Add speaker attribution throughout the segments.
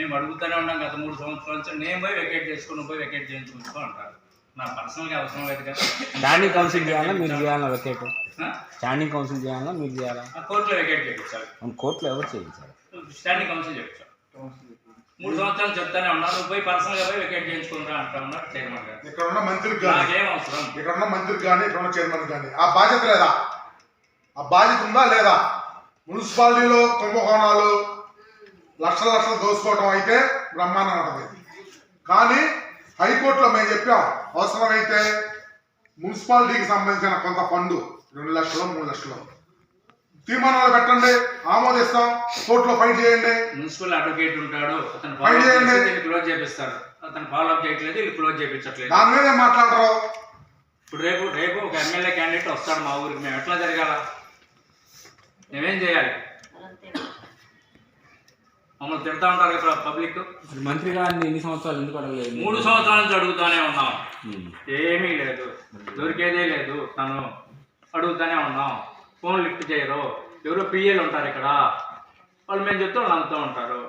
Speaker 1: మేము అడుగుతూనే ఉన్నాం గత 3 సంవత్సరాల నుంచి. నేను పోయి వెకేట్ వెకేట్ చేయించుకుంటూ అంటారు. నా పర్సనల్గా అవసరం లేదు కదా.
Speaker 2: స్టాండింగ్ కౌన్సిల్ చేయాలా మీరు చేయాలా వెకేట్? స్టాండింగ్ కౌన్సిల్ చేయాలా మీరు చేయాలా?
Speaker 1: కోర్టులో వెకేట్ చేయించాలి.
Speaker 2: కోర్టులో ఎవరు చేయించాలి?
Speaker 1: స్టాండింగ్ కౌన్సిల్ చేయించాలి. 3 సంవత్సరాలు చెప్తానే ఉన్నారు. నువ్వు పోయి పర్సనల్గా పోయి వెకేట్ చేయించుకుంటా అంటా ఉన్నారు చైర్మన్ గారు.
Speaker 3: ఇక్కడ ఉన్న మంత్రికి కానీ,
Speaker 1: నాకేం అవసరం,
Speaker 3: ఇక్కడ ఉన్న మంత్రికి కానీ, ఇక్కడ ఉన్న చైర్మన్ కానీ ఆ బాధ్యత లేదా? ఆ బాధ్యత ఉందా లేదా? మున్సిపాలిటీలో కుంభకోణాలు లక్షల దోసుకోవడం అయితే బ్రహ్మాండం ఉంటుంది. కానీ హైకోర్టులో మేము చెప్పాం, అవసరమైతే మున్సిపాలిటీకి సంబంధించిన కొంత ఫండ్ 2 లక్షలు 3 లక్షలు తీర్మానాలు పెట్టండి, ఆమోదిస్తాం, కోర్టులో ఫైట్ చేయండి.
Speaker 1: మున్సిపల్ అడ్వకేట్ ఉంటాడు, అతను
Speaker 3: ఫైట్ చేయండి,
Speaker 1: క్లోజ్ చేపిస్తాడు. అతను ఫాలో అప్ చేయట్లేదు, వీళ్ళు క్లోజ్ చేయించట్లేదు.
Speaker 3: దాని మీదే మాట్లాడరు.
Speaker 1: ఇప్పుడు రేపు ఒక ఎమ్మెల్యే క్యాండిడేట్ వస్తాడు మా ఊరికి, మేము ఎట్లా జరగాల? మేమేం చేయాలి? మమ్మల్ని తిడతా ఉంటారు కదా పబ్లిక్.
Speaker 2: మంత్రి గారిని ఎన్ని సంవత్సరాలు ఎందుకు అడగలేదు?
Speaker 1: 3 సంవత్సరాల నుంచి అడుగుతానే ఉన్నాం, ఏమీ లేదు, దొరికేదే లేదు. తను అడుగుతానే ఉన్నాం, ఫోన్ లిఫ్ట్ చేయరు. ఎవరో పిఏలు ఉంటారు ఇక్కడ, వాళ్ళు మేము చెప్తే వాళ్ళు అంతా ఉంటారు.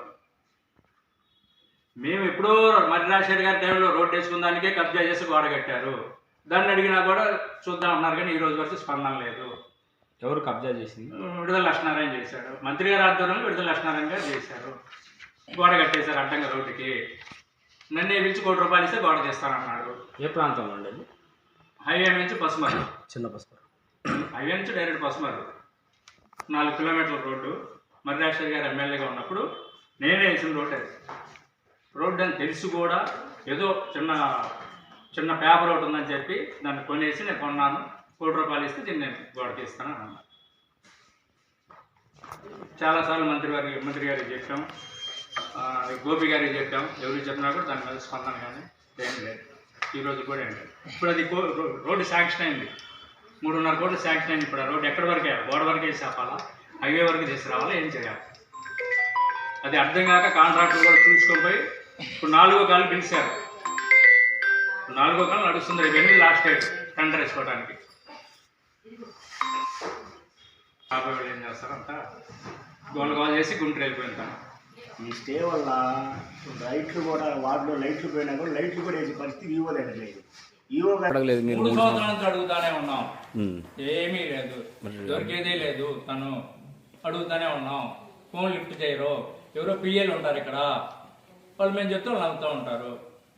Speaker 1: మేము ఎప్పుడో మర్రి రాజశేఖర్ గారి టైంలో రోడ్డు వేసుకున్న కబ్జా చేసి గోడ కట్టారు. దాన్ని అడిగినా కూడా చూద్దాం అన్నారు, కానీ ఈ రోజు వరకు స్పందన లేదు.
Speaker 2: ఎవరు కబ్జా చేసింది?
Speaker 1: విడుదల లక్ష్మీనారాయణ చేశాడు. మంత్రి గారి ఆధ్వర్యంలో విడుదల లక్ష్మీనారాయణ గారు చేశారు. గోడ కట్టేశారు అడ్డంగా రోడ్డుకి. నన్ను పిలిచి ₹1 కోటి ఇస్తే గోడ చేస్తానన్నాడు.
Speaker 2: ఏ ప్రాంతంలో ఉండేది?
Speaker 1: హైవే నుంచి పసుమరు,
Speaker 2: చిన్న పసుపు.
Speaker 1: హైవే నుంచి డైరెక్ట్ పసుమరు 4 కిలోమీటర్ల రోడ్డు. మర్రి రాజశేఖర్ గారు ఎమ్మెల్యేగా ఉన్నప్పుడు నేనే వేసిన రోడ్డు అని తెలిసి కూడా ఏదో చిన్న పేపర్ ఒకటి ఉందని చెప్పి దాన్ని కొనేసి నేను కొన్నాను. ₹1 కోటి ఇస్తే దీన్ని నేను గోడకి ఇస్తాను అన్నా. చాలాసార్లు మంత్రి గారికి చెప్పాం, గోపి గారికి చెప్పాం. ఎవరికి చెప్పినా కూడా దాని మీద స్పందన కానీ ఏం లేదు. ఈరోజు కూడా ఏం లేదు. ఇప్పుడు అది రోడ్డు శాంక్షన్ అయింది, 3.5 కోట్లు శాంక్షన్ అయింది. ఇప్పుడు ఆ రోడ్డు ఎక్కడి వరకే, గోడ వరకే చేపాలా, హైవే వరకు తీసుకురావాలా, ఏం చేయాలి? అది అర్థం కాక కాంట్రాక్టర్ కూడా చూసుకొని పోయి ఇప్పుడు 4వ కాలు పిలిచారు. 4వ కాలు నడుస్తుంది. ఇవన్నీ లాస్ట్ డేట్ టెండర్ వేసుకోవడానికి. కాబట్టి వాళ్ళు ఏం చేస్తారంట, గోల్ చేసి గుంటూరు వెళ్ళిపోయింటాను.
Speaker 4: ఈ స్టే వల్ల లైట్లు కూడా వార్డులో లైట్లు పోయినా కూడా లైట్లు కూడా వేసే పరిస్థితి ఈవో దగ్గర లేదు. ఈవో
Speaker 2: అడగలేదు. మీరు
Speaker 1: 3 సంవత్సరాల నుంచి అడుగుతానే ఉన్నాం, ఏమీ లేదు, దొరికేదే లేదు. తను అడుగుతానే ఉన్నాం, ఫోన్ లిఫ్ట్ చేయరు. ఎవరో పిఏలు ఉంటారు ఇక్కడ, వాళ్ళు మేము చెప్తే వాళ్ళు అంతా ఉంటారు.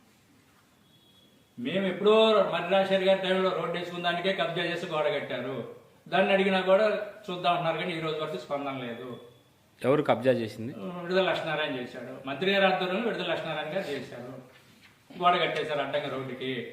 Speaker 1: మేము ఎప్పుడో మర్రి రాజశేఖర్ గారి టైంలో రోడ్డు వేసుకున్న కబ్జా చేసి గోడ కట్టారు. దాన్ని అడిగినా కూడా చూద్దాం అన్నారు, కానీ ఈ రోజు వరకు స్పందన లేదు.
Speaker 2: ఎవరు కబ్జా చేసింది?
Speaker 1: విడుదల లక్ష్మీనారాయణ చేశాడు. మంత్రి గారి ఆధ్వర్యంలో విడుదల లక్ష్మీనారాయణ గారు చేశారు. గోడ కట్టేశారు అడ్డంగా రోడ్డుకి.